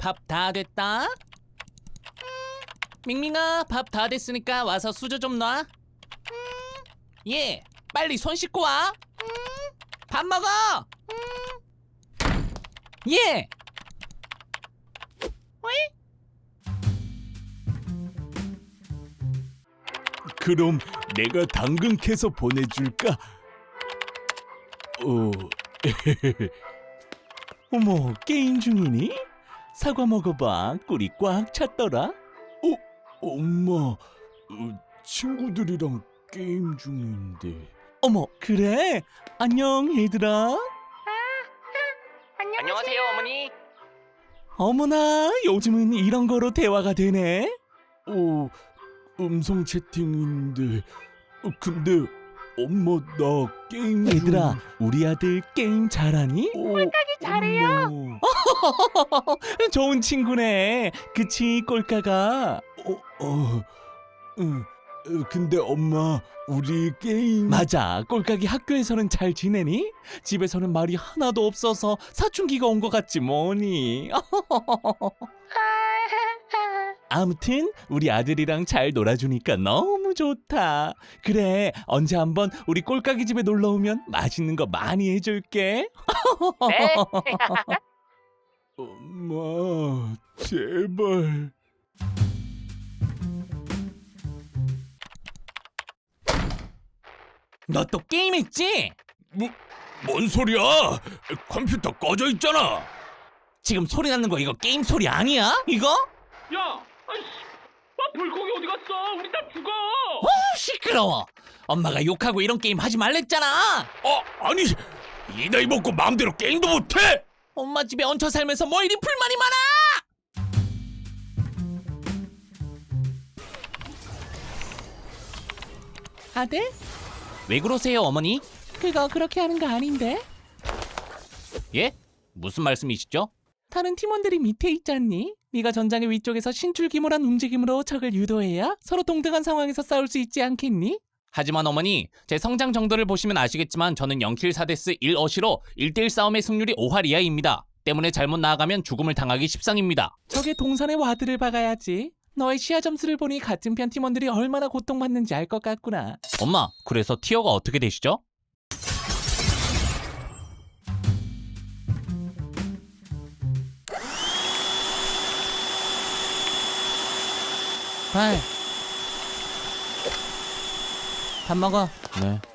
밥 다 됐다. 밍밍아, 밥 다 됐으니까 와서 수저 좀 놔. 예, 빨리 손 씻고 와. 밥 먹어. 예. 그럼 내가 당근 캐서 보내줄까? 어머, 게임 중이니? 사과 먹어봐. 꿀이 꽉 찼더라. 엄마, 친구들이랑 게임 중인데. 어머, 그래? 안녕, 얘들아. 안녕하세요, 어머니. 어머나, 요즘은 이런 거로 대화가 되네. 음성 채팅인데. 근데 엄마, 나 게임. 얘들아, 우리 아들 게임 잘하니? 꼴깍이 잘해요. 좋은 친구네. 그치, 꼴깍아? 응. 근데 엄마, 우리 게임. 맞아, 꼴깍이 학교에서는 잘 지내니? 집에서는 말이 하나도 없어서 사춘기가 온 것 같지 뭐니. 아무튼 우리 아들이랑 잘 놀아주니까 너무 좋다. 그래, 언제 한번 우리 꼴깍이 집에 놀러 오면 맛있는 거 많이 해줄게. 네. 엄마, 제발. 너 또 게임했지? 뭔 소리야? 컴퓨터 꺼져 있잖아. 지금 소리 나는 거 이거 게임 소리 아니야? 이거? 야, 아이씨, 물고기 어디 갔어? 우리 다 죽어. 시끄러워. 엄마가 욕하고 이런 게임 하지 말랬잖아. 아니, 이 나이 먹고 마음대로 게임도 못해? 엄마 집에 얹혀 살면서 뭐 이리 불만이 많아? 아들? 왜 그러세요, 어머니? 그거 그렇게 하는 거 아닌데? 예? 무슨 말씀이시죠? 다른 팀원들이 밑에 있잖니? 네가 전장의 위쪽에서 신출귀몰한 움직임으로 적을 유도해야 서로 동등한 상황에서 싸울 수 있지 않겠니? 하지만 어머니, 제 성장 정도를 보시면 아시겠지만 저는 0킬 4데스 1어시로 1대1 싸움의 승률이 5할 이하입니다. 때문에 잘못 나아가면 죽음을 당하기 십상입니다. 적의 동선에 와드를 박아야지. 너의 시야 점수를 보니 같은 편 팀원들이 얼마나 고통받는지 알 것 같구나. 엄마, 그래서 티어가 어떻게 되시죠? 밥 먹어. 네.